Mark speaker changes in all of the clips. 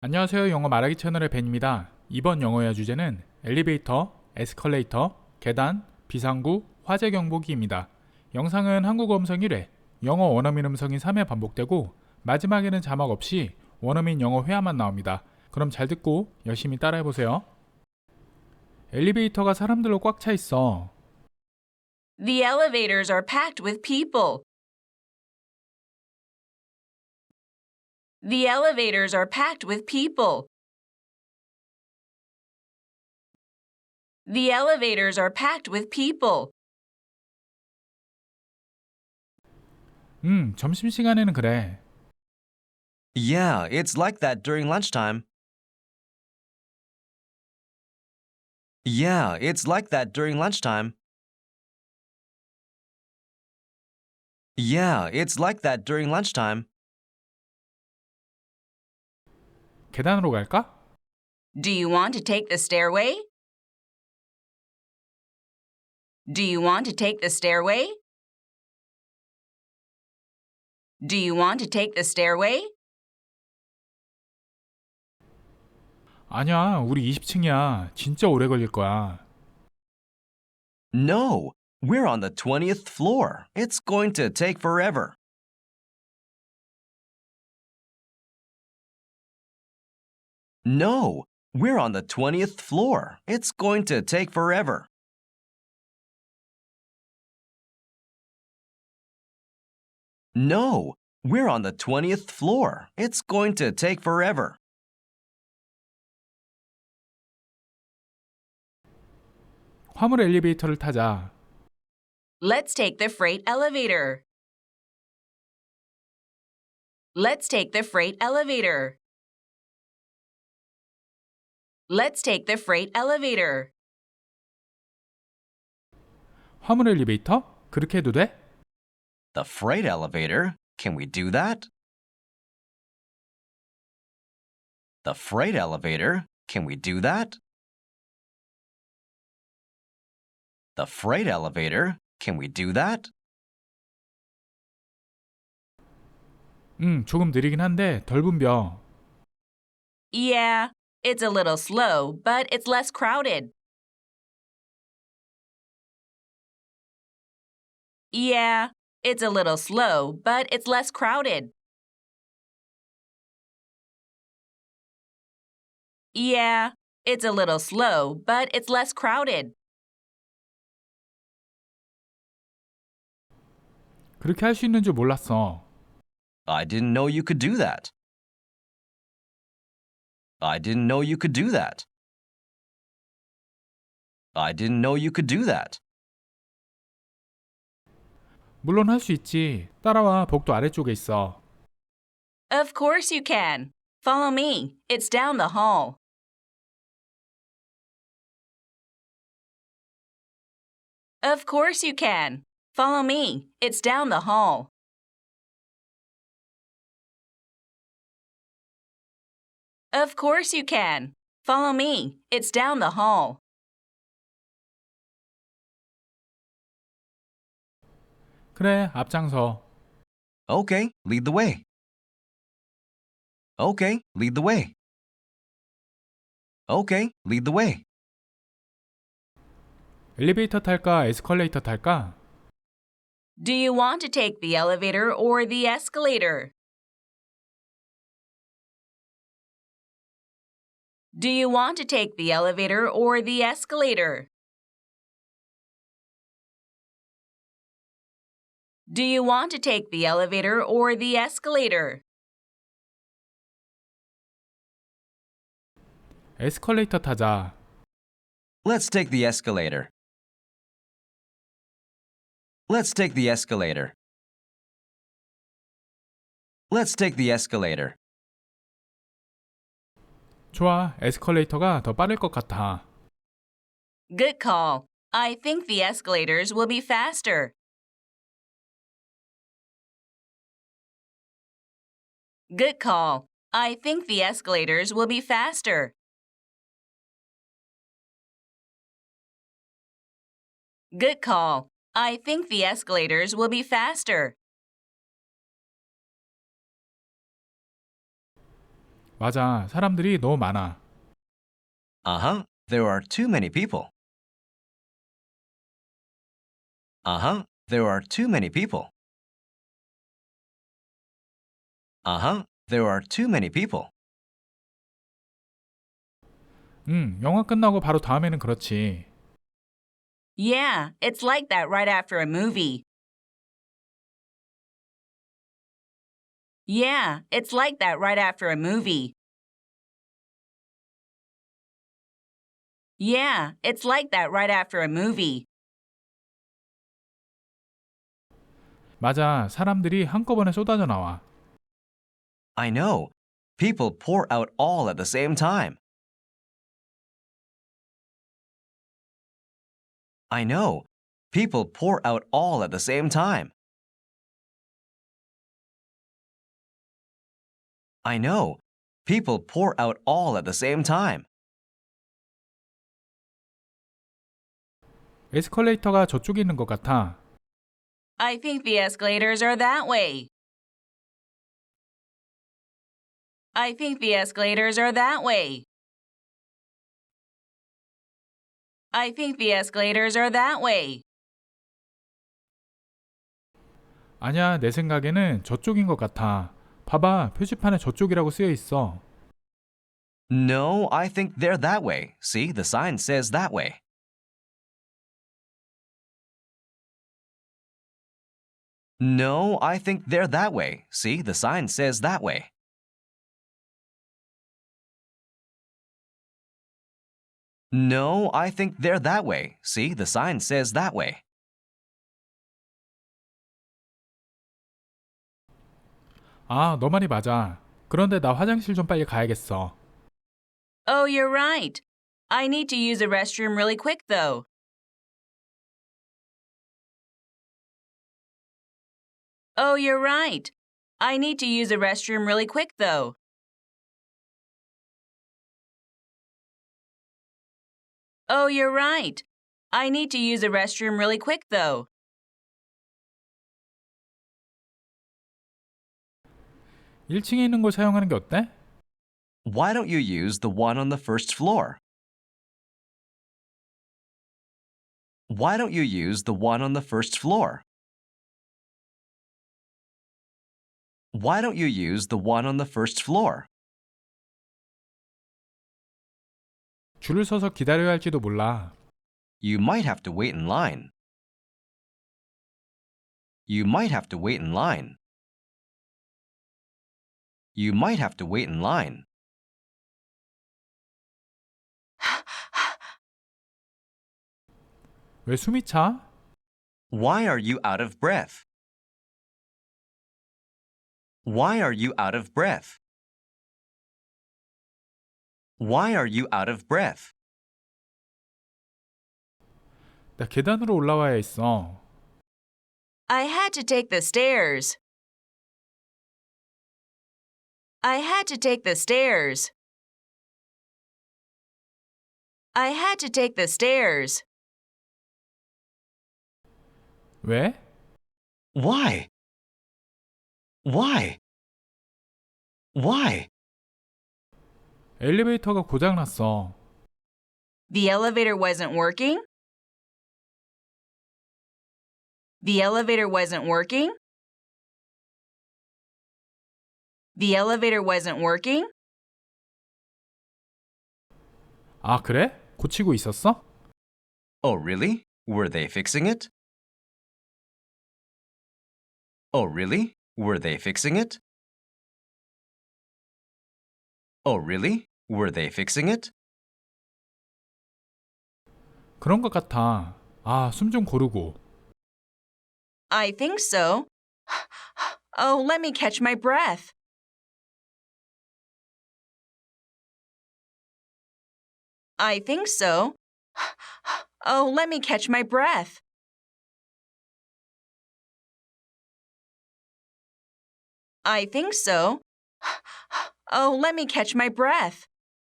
Speaker 1: 안녕하세요. 영어 말하기 채널의 벤입니다. 이번 영어의 주제는 엘리베이터, 에스컬레이터, 계단, 비상구, 화재 경보기입니다. 영상은 한국어 음성 1회, 영어 원어민 음성인 3회 반복되고 마지막에는 자막 없이 원어민 영어 회화만 나옵니다. 그럼 잘 듣고 열심히 따라해보세요. 엘리베이터가 사람들로 꽉 차 있어.
Speaker 2: The elevators are packed with people. The elevators are packed with people. The elevators are packed with people.
Speaker 1: 점심시간에는 그래.
Speaker 3: Yeah, it's like that during lunchtime. Yeah, it's like that during lunchtime. Yeah, it's like that during lunchtime.
Speaker 1: 계단으로 갈까?
Speaker 2: Do you want to take the stairway? Do you want to take the stairway? Do you want to take the stairway?
Speaker 1: 아니야, 우리 20층이야. 진짜 오래 걸릴 거야.
Speaker 3: No, we're on the 20th floor. It's going to take forever. No, we're on the 20th floor. It's going to take forever. No, we're on the 20th floor. It's going to take forever.
Speaker 1: 화물 엘리베이터를 타자.
Speaker 2: Let's take the freight elevator. Let's take the freight elevator. Let's take the freight elevator.
Speaker 1: 화물 엘리베이터? 그렇게 해도 돼?
Speaker 3: The freight elevator? Can we do that? The freight elevator? Can we do that? The freight elevator? Can we do that?
Speaker 1: 조금 느리긴 한데 덜 붐벼.
Speaker 2: Yeah, it's a little slow, but it's less crowded. Yeah, it's a little slow, but it's less crowded. Yeah, it's a little slow, but it's less crowded.
Speaker 1: 그렇게 할 수 있는 줄 몰랐어.
Speaker 3: I didn't know you could do that. I didn't know you could do that. I didn't know you could do that.
Speaker 1: 물론 할 수 있지. 따라와, 복도 아래쪽에 있어.
Speaker 2: Of course you can. Follow me. It's down the hall. Of course you can. Follow me. It's down the hall. Of course you can. Follow me. It's down the hall.
Speaker 1: 그래, 앞장서.
Speaker 3: Okay, lead the way. Okay, lead the way. Okay, lead the way.
Speaker 1: 엘리베이터 탈까, 에스컬레이터 탈까?
Speaker 2: Do you want to take the elevator or the escalator? Do you want to take the elevator or the escalator? Do you want to take the elevator or the escalator?
Speaker 1: 에스컬레이터 타자.
Speaker 3: Let's take the escalator. Let's take the escalator. Let's take the escalator.
Speaker 1: 좋아, 에스컬레이터가 더 빠를 것 같아.
Speaker 2: Good call. I think the escalators will be faster. Good call. I think the escalators will be faster. Good call. I think the escalators will be faster.
Speaker 1: 맞아, 사람들이 너무 많아.
Speaker 3: Uh-huh. There are too many people. Uh-huh. There are too many people. Uh-huh. There are too many people.
Speaker 1: 영화 끝나고 바로 다음에는 그렇지.
Speaker 2: Yeah, it's like that right after a movie. Yeah, it's like that right after a movie. Yeah, it's like that right after a movie.
Speaker 1: 맞아, 사람들이 한꺼번에 쏟아져 나와.
Speaker 3: I know. People pour out all at the same time. I know. People pour out all at the same time. I know. People pour out all at the same time.
Speaker 1: 에스컬레이터가 저쪽에 있는 것 같아.
Speaker 2: I think the escalators are that way. I think the escalators are that way. I think the escalators are that way.
Speaker 1: 아니야, 내 생각에는 저쪽인 것 같아. 봐봐, 표지판에 저쪽이라고 쓰여 있어.
Speaker 3: No, I think they're that way. See, the sign says that way. No, I think they're that way. See, the sign says that way. No, I think they're that way. See, the sign says that way.
Speaker 1: 아, 너 말이 맞아. 그런데 나 화장실 좀 빨리 가야겠어.
Speaker 2: Oh, you're right. I need to use the restroom really quick, though. Oh, you're right. I need to use the restroom really quick, though. Oh, you're right. I need to use the restroom really quick, though.
Speaker 1: 1층에 있는 걸 사용하는 게 어때?
Speaker 3: Why don't you use the one on the first floor? Why don't you use the one on the first floor? Why don't you use the one on the first floor?
Speaker 1: 줄을 서서 기다려야 할지도 몰라.
Speaker 3: You might have to wait in line. You might have to wait in line. You might have to wait in line.
Speaker 1: 왜 숨이 차?
Speaker 3: Why are you out of breath? Why are you out of breath? Why are you out of breath?
Speaker 1: 나 계단으로 올라와야 했어.
Speaker 2: I had to take the stairs. I had to take the stairs. I had to take the stairs.
Speaker 1: 왜?
Speaker 3: Why? Why? Why?
Speaker 1: 엘리베이터가 고장났어.
Speaker 2: The elevator wasn't working? The elevator wasn't working? The elevator wasn't working?
Speaker 1: 아, 그래? 고치고 있었어?
Speaker 3: Oh, really? Were they fixing it? Oh, really? Were they fixing it? Oh, really? Were they fixing it?
Speaker 1: 그런 것 같아. 아, 숨 좀 고르고.
Speaker 2: I think so. Oh, let me catch my breath. I think so. Oh, let me catch my breath. I think so. Oh, let me catch my breath.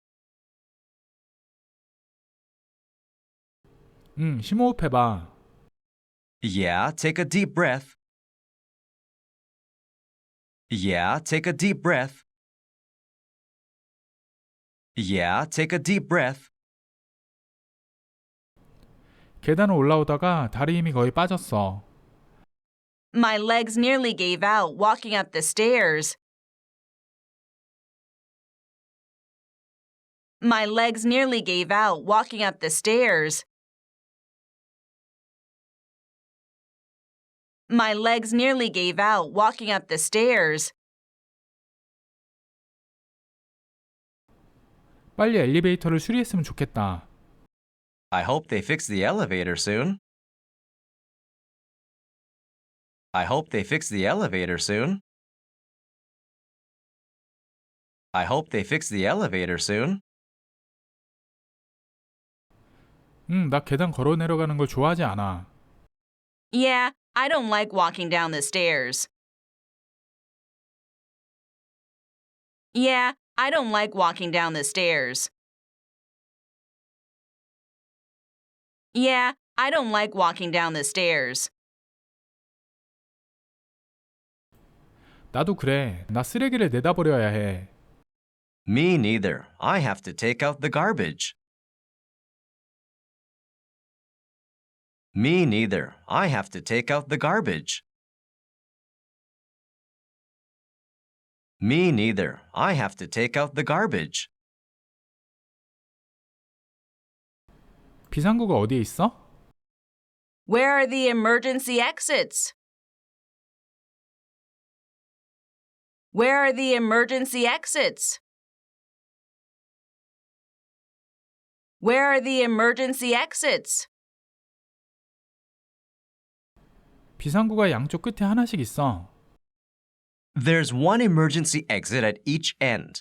Speaker 1: 심호흡해봐.
Speaker 3: Yeah, take a deep breath. Yeah, take a deep breath. Yeah, take a deep breath.
Speaker 1: 계단을 올라오다가 다리 힘이 거의 빠졌어.
Speaker 2: My legs nearly gave out walking up the stairs. My legs nearly gave out walking up the stairs. My legs nearly gave out walking up the stairs.
Speaker 1: 빨리 엘리베이터를 수리했으면 좋겠다.
Speaker 3: I hope they fix the elevator soon. I hope they fix the elevator soon. I hope they fix the elevator soon.
Speaker 1: 나 계단 걸어 내려가는 걸 좋아하지 않아.
Speaker 2: Yeah, I don't like walking down the stairs. Yeah, I don't like walking down the stairs. Yeah, I don't like walking down the stairs.
Speaker 1: 나도 그래. 나 쓰레기를 내다 버려야 해.
Speaker 3: Me neither. I have to take out the garbage. Me neither. I have to take out the garbage. Me neither. I have to take out the garbage.
Speaker 1: 비상구가 어디에 있어?
Speaker 2: Where are the emergency exits? Where are the emergency exits? Where are the emergency exits?
Speaker 1: 비상구가 양쪽 끝에 하나씩 있어.
Speaker 3: There's one emergency exit at each end.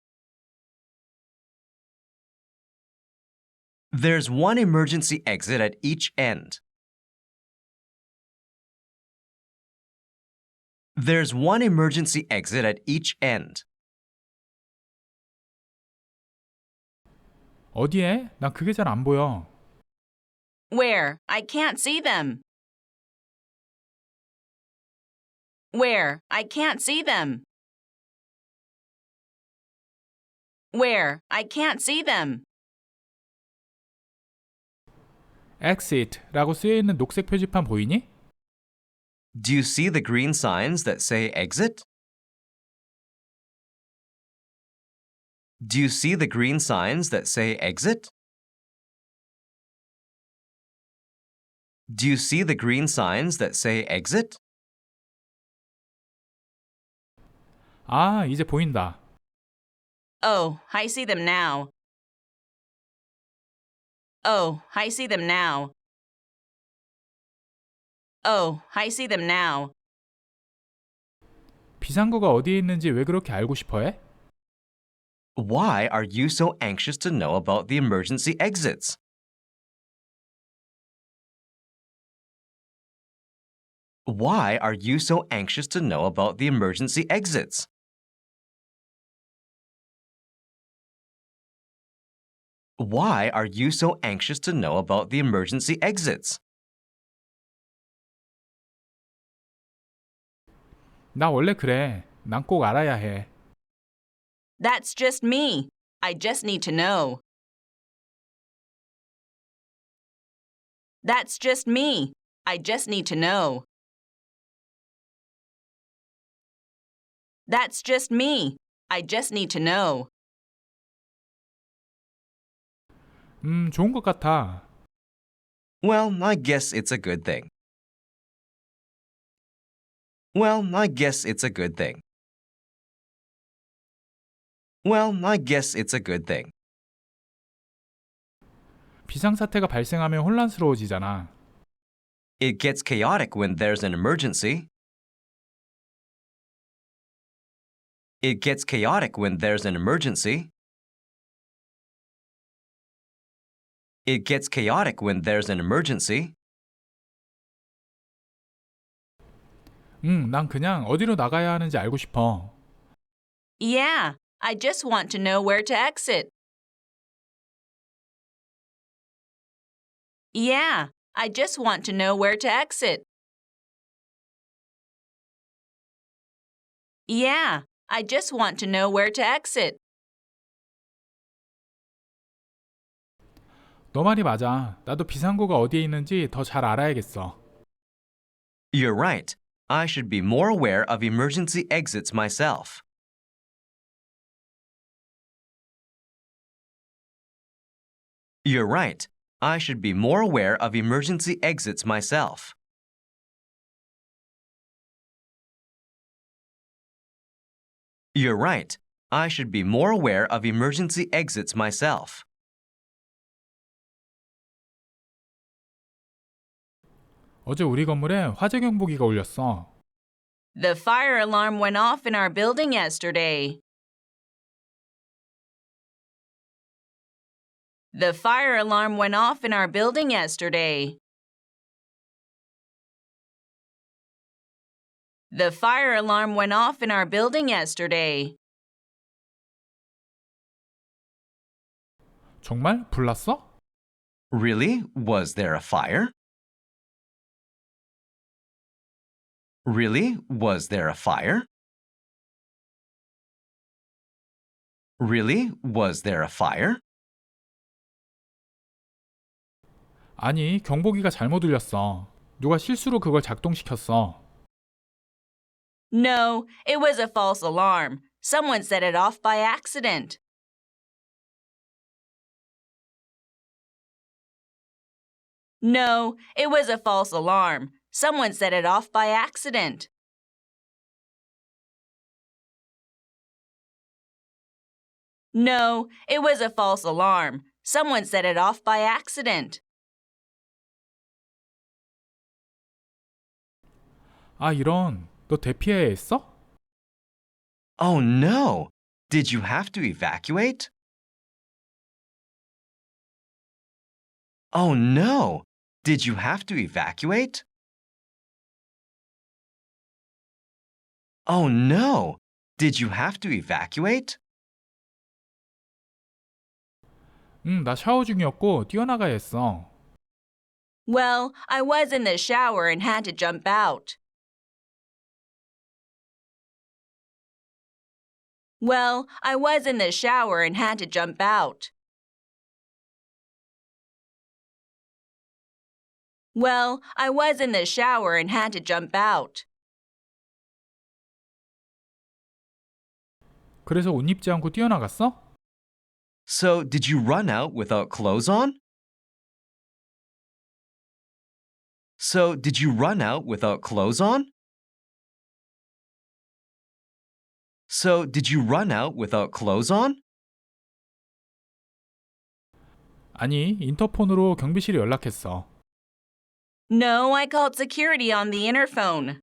Speaker 3: There's one emergency exit at each end. There's one emergency exit at each end.
Speaker 1: 어디에? 난 그게 잘 안 보여.
Speaker 2: Where? I can't see them. Where? I can't see them. Where? I can't see them.
Speaker 1: Exit라고 쓰여 있는 녹색 표지판 보이니?
Speaker 3: Do you see the green signs that say exit? Do you see the green signs that say exit? Do you see the green signs that say exit?
Speaker 1: 아, 이제 보인다.
Speaker 2: Oh, I see them now. Oh, I see them now. Oh, I see them now.
Speaker 1: 비상구가 어디에 있는지 왜 그렇게 알고 싶어 해?
Speaker 3: Why are you so anxious to know about the emergency exits? Why are you so anxious to know about the emergency exits? Why are you so anxious to know about the emergency exits?
Speaker 1: 나 원래 그래. 난 꼭 알아야 해.
Speaker 2: That's just me. I just need to know. That's just me. I just need to know. That's just me. I just need to know.
Speaker 1: 좋은 것 같아.
Speaker 3: Well, I guess it's a good thing. Well, I guess it's a good thing. Well, I guess it's a good thing.
Speaker 1: 비상사태가 발생하면 혼란스러워지잖아.
Speaker 3: It gets chaotic when there's an emergency. It gets chaotic when there's an emergency. It gets chaotic when there's an emergency.
Speaker 1: 난 그냥 어디로 나가야 하는지 알고 싶어.
Speaker 2: Yeah, I just want to know where to exit. Yeah, I just want to know where to exit. Yeah, I just want to know where to exit.
Speaker 1: 너 말이 맞아. 나도 비상구가 어디에 있는지 더 잘 알아야겠어.
Speaker 3: You're right. I should be more aware of emergency exits myself. You're right. I should be more aware of emergency exits myself. You're right. I should be more aware of emergency exits myself.
Speaker 1: 어제 우리 건물에 화재 경보기가 울렸어.
Speaker 2: The fire alarm went off in our building yesterday. The fire alarm went off in our building yesterday. The fire alarm went off in our building yesterday.
Speaker 1: 정말? 불났어?
Speaker 3: Really? Was there a fire? Really? Was there a fire? Really? Was there a fire?
Speaker 1: 아니, 경보기가 잘못 울렸어. 누가 실수로 그걸 작동시켰어.
Speaker 2: No, it was a false alarm. Someone set it off by accident. No, it was a false alarm. Someone set it off by accident. No, it was a false alarm. Someone set it off by accident.
Speaker 1: 아, 이런. 너 대피해야 했어?
Speaker 3: Oh no! Did you have to evacuate? Oh no! Did you have to evacuate? Oh no! Did you have to evacuate?
Speaker 1: 나 샤워 중이었고 뛰어나가야 했어.
Speaker 2: Well, I was in the shower and had to jump out. Well, I was in the shower and had to jump out. Well, I was in the shower and had to jump out.
Speaker 1: 그래서 옷 입지 않고 뛰어나갔어?
Speaker 3: So, did you run out without clothes on? So, did you run out without clothes on? So, did you run out without clothes on?
Speaker 1: 아니, 인터폰으로 경비실에 연락했어.
Speaker 2: No, I called security on the interphone.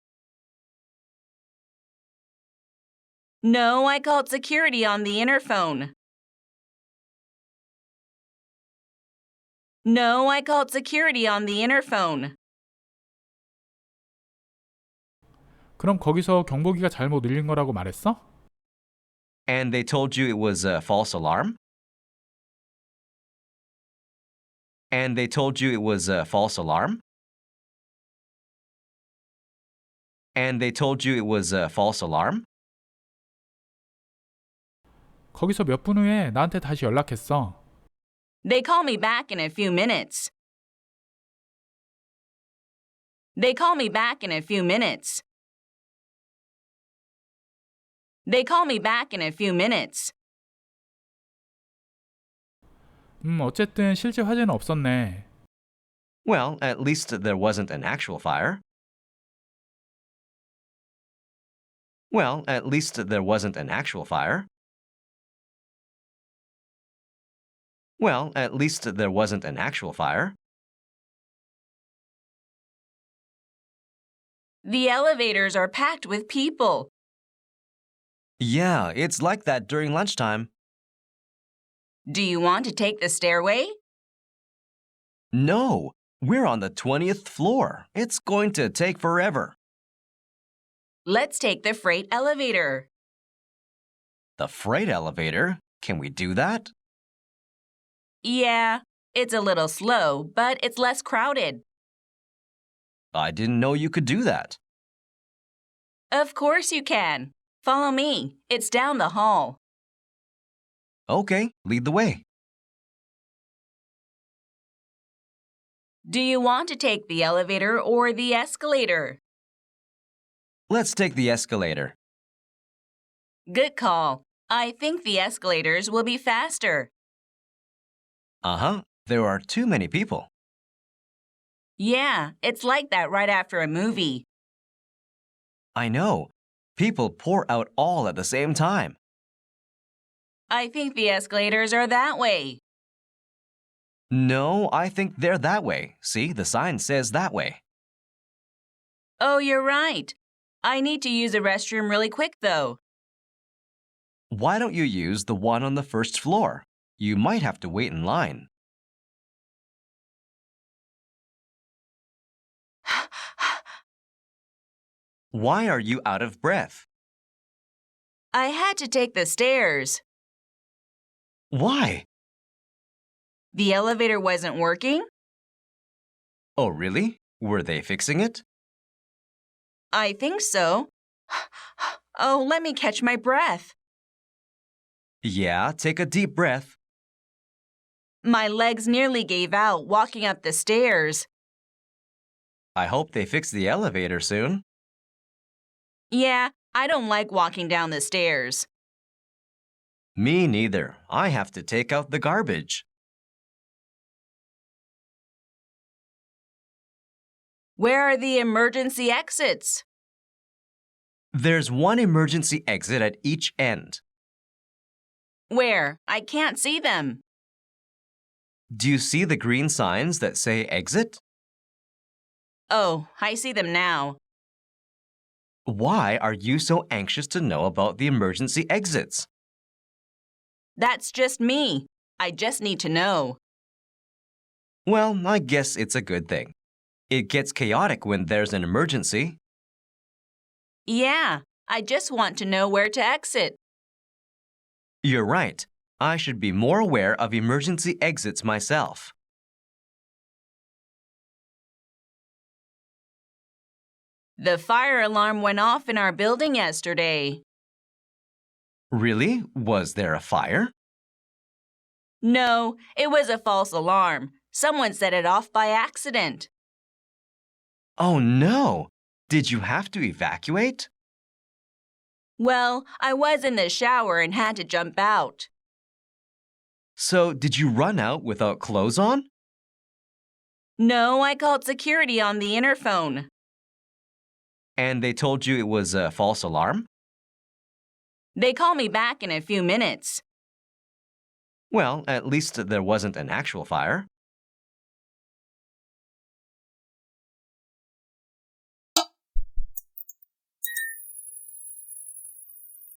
Speaker 2: No, I called security on the interphone. No, I called security on the interphone.
Speaker 1: 그럼 거기서 경보기가 잘못 울린 거라고 말했어?
Speaker 3: And they told you it was a false alarm? And they told you it was a false alarm? And they told you it was a false alarm?
Speaker 1: 거기서 몇 분 후에 나한테 다시 연락했어.
Speaker 2: They call me back in a few minutes. They call me back in a few minutes. They call me back in a few minutes.
Speaker 1: 어쨌든 실제 화재는 없었네.
Speaker 3: Well, at least there wasn't an actual fire. Well, at least there wasn't an actual fire. Well, at least there wasn't an actual fire.
Speaker 2: The elevators are packed with people.
Speaker 3: Yeah, it's like that during lunchtime.
Speaker 2: Do you want to take the stairway?
Speaker 3: No, we're on the 20th floor. It's going to take forever.
Speaker 2: Let's take the freight elevator.
Speaker 3: The freight elevator? Can we do that?
Speaker 2: Yeah, it's a little slow, but it's less crowded.
Speaker 3: I didn't know you could do that.
Speaker 2: Of course you can. Follow me. It's down the hall.
Speaker 3: Okay, lead the way.
Speaker 2: Do you want to take the elevator or the escalator?
Speaker 3: Let's take the escalator.
Speaker 2: Good call. I think the escalators will be faster.
Speaker 3: Uh-huh. There are too many people.
Speaker 2: Yeah, it's like that right after a movie.
Speaker 3: I know. People pour out all at the same time.
Speaker 2: I think the escalators are that way.
Speaker 3: No, I think they're that way. See, the sign says that way.
Speaker 2: Oh, you're right. I need to use the restroom really quick, though.
Speaker 3: Why don't you use the one on the first floor? You might have to wait in line. Why are you out of breath?
Speaker 2: I had to take the stairs.
Speaker 3: Why?
Speaker 2: The elevator wasn't working?
Speaker 3: Oh, really? Were they fixing it?
Speaker 2: I think so. Oh, let me catch my breath.
Speaker 3: Yeah, take a deep breath.
Speaker 2: My legs nearly gave out walking up the stairs.
Speaker 3: I hope they fix the elevator soon.
Speaker 2: Yeah, I don't like walking down the stairs.
Speaker 3: Me neither. I have to take out the garbage.
Speaker 2: Where are the emergency exits?
Speaker 3: There's one emergency exit at each end.
Speaker 2: Where? I can't see them.
Speaker 3: Do you see the green signs that say exit?
Speaker 2: Oh, I see them now.
Speaker 3: Why are you so anxious to know about the emergency exits?
Speaker 2: That's just me. I just need to know.
Speaker 3: Well, I guess it's a good thing. It gets chaotic when there's an emergency.
Speaker 2: Yeah, I just want to know where to exit.
Speaker 3: You're right. I should be more aware of emergency exits myself.
Speaker 2: The fire alarm went off in our building yesterday.
Speaker 3: Really? Was there a fire?
Speaker 2: No, it was a false alarm. Someone set it off by accident.
Speaker 3: Oh no! Did you have to evacuate?
Speaker 2: Well, I was in the shower and had to jump out.
Speaker 3: So, did you run out without clothes on?
Speaker 2: No, I called security on the interphone.
Speaker 3: And they told you it was a false alarm?
Speaker 2: They call me back in a few minutes.
Speaker 3: Well, at least there wasn't an actual fire.